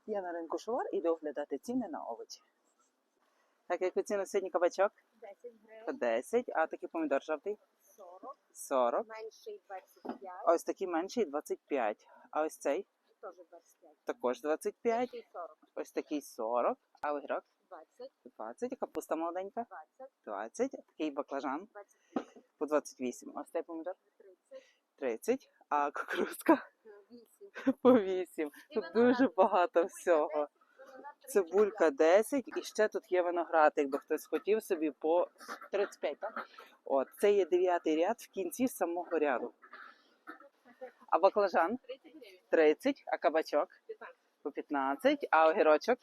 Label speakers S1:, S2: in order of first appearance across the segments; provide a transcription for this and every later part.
S1: Я на ринку Шувар іду оглядати ціни на овочі. Так, яку ціну сьогодні кабачок?
S2: 10
S1: По
S2: гривень,
S1: 10, а такий помідор жовтий?
S2: 40,
S1: 40.
S2: менший 25,
S1: Ось такий менший 25. А ось цей
S2: теж 25,
S1: також 25.
S2: більший 40,
S1: Ось такий 40. А огірок?
S2: 20,
S1: 20. Капуста молоденька?
S2: 20,
S1: 20. Такий баклажан
S2: 28,
S1: по 28. Ось цей помідор?
S2: 30,
S1: 30. А кукурудзка
S2: 8.
S1: по 8. Тут дуже багато всього. Цибулька 10 і ще тут є виноград, якби хтось хотів собі по 35, так? От, це є 9-й ряд в кінці самого ряду. А баклажан 30, а кабачок по 15, а огірочок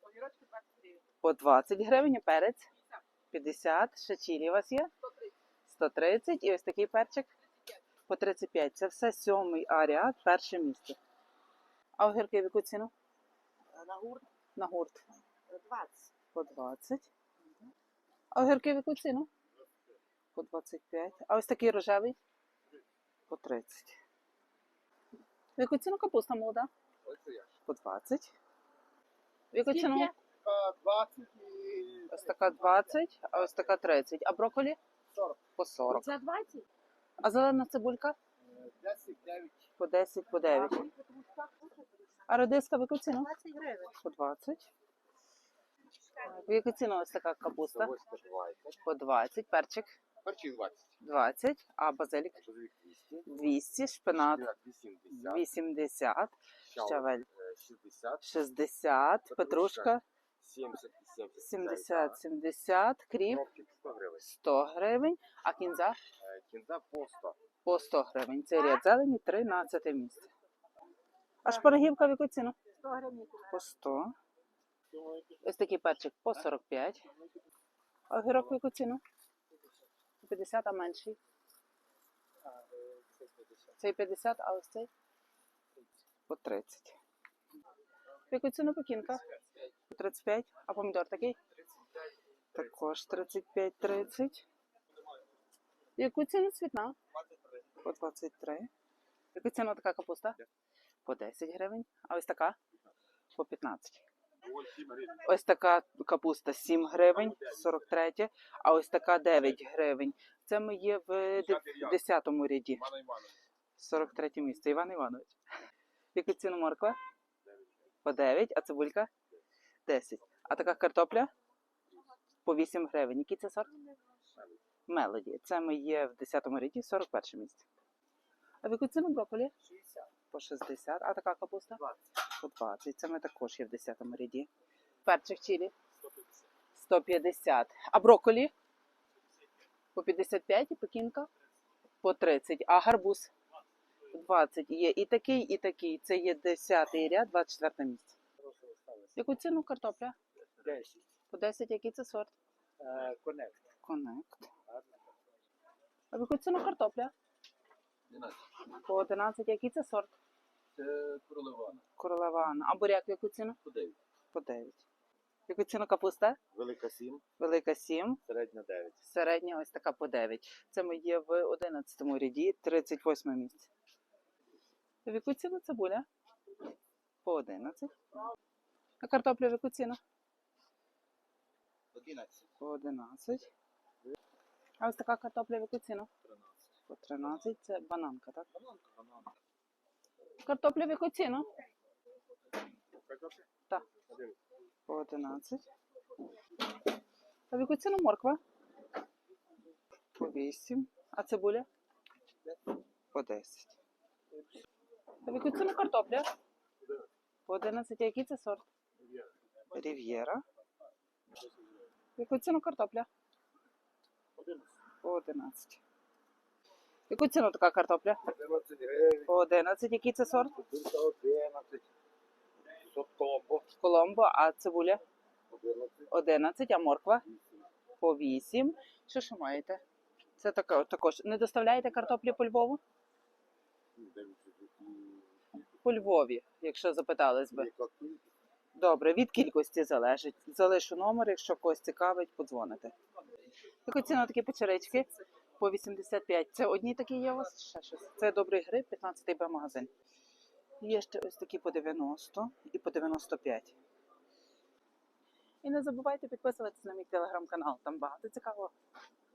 S1: по 20 гривень, а перець 50, ще чилі у вас є 130 і ось такий перчик по 35. Це все 7-й ряд, перше місце. А огірки в яку ціну?
S2: На гурт
S1: На гурт
S2: 20,
S1: по 20. А огірки в яку ціну? По 25. А ось такий рожевий? По 30. В яку ціну капуста молода? По 20. В яку ціну?
S3: 20 і
S1: Ось така 20, а ось така 30. А брокколі?
S3: 40.
S1: По 40.
S2: це 20,
S1: А зелена цибулька?
S3: 10, 9.
S1: По 10, по 9. А редиска в яку ціну?
S2: 20 гривень,
S1: По 20. В яку ціну ось така капуста?
S3: 20.
S1: По 20. Перчик?
S3: Перчик 20.
S1: 20. А базилік?
S3: Чоловік 200.
S1: 200. Шпинат
S3: 80.
S1: 80. Щавель
S3: 60.
S1: 60. Петрушка
S3: 70 і
S1: 70. 70. Кріп
S3: Кропчик 100 гривень.
S1: 100 гривень. А кінза?
S3: Кінза по 100.
S1: По 100 гривень. Це ряд зелені, 13 місце. А шпарагівка в яку ціну?
S2: 100 гривень,
S1: По 100. Ось такий перчик по 45. А огірок в яку ціну? По 50, а менший? Цей 50, а ось цей? По 30. В яку ціну пекінка? По 35. А помідор такий? Також 35-30. В яку ціну цвітна? По 23. В яку ціну така капуста? По 10 гривень. А ось така? По 15. Ось така капуста 7 гривень, 43. А ось така 9 гривень. Це ми є в 10-му ряді. 43 місце. Іван Іванович. В яку ціну морква? По 9. А цибулька? 10. А така картопля? По 8 гривень. Який це сорт? Мелоді. Це ми є в 10-му ряді, 41 місце. А в яку ціну брокколі?
S3: 60.
S1: По 60. А така капуста?
S3: 20.
S1: По 20. Це ми також є в 10-му ряді. Перчик чилі?
S3: 150.
S1: 150. А брокколі? По 55 і пекінка? По 30. А гарбуз? 20. Є і такий, і такий. Це є 10-й ряд, 24 місце. Яку ціну картопля?
S3: 10.
S1: По 10. Який це сорт?
S3: Конект.
S1: Коннект. А в яку ціну картопля?
S3: 12.
S1: По 11. Який це сорт?
S3: Це королевана.
S1: Королева Анна. А буряк в яку ціну?
S3: По 9.
S1: По 9. В яку ціну капуста?
S3: Велика 7.
S1: Велика 7.
S3: Середня 9.
S1: Середня ось така по 9. Це ми є в 11-му ряді, 38 місце. В яку ціну цибуля? По 11. А картопля в яку ціну?
S3: 11.
S1: По 11. А ось така картопля в яку ціну?
S3: 13.
S1: По 13. Це бананка, так?
S3: Бананка.
S1: Картопля в яку ціну?
S3: Картопля?
S1: Так.
S3: 11.
S1: По 11. А в яку ціну морква? По 8. А цибуля? По 10. А в яку ціну картопля? По 11. А який це сорт? Рів'єра. В яку ціну картопля?
S3: 11.
S1: По 11. В яку ціну така картопля?
S3: 11 гривень.
S1: По 11. Який це сорт?
S3: Купинка 11. Соткомбо.
S1: Коломбо. А цибуля?
S3: 11.
S1: 11. А морква? По 8. Що ще маєте? Це також. Не доставляєте картоплі по Львову? По Львові, якщо запитались би. Добре, від кількості залежить. Залишу номер, якщо когось цікавить, подзвоните. Яку ціну такі печерички? По 85. Це одні такі є у вас? Ще щось. Це добрий гриб, 15-й Б-магазин. Є ще ось такі по 90 і по 95. І не забувайте підписуватися на мій телеграм-канал, там багато цікавого.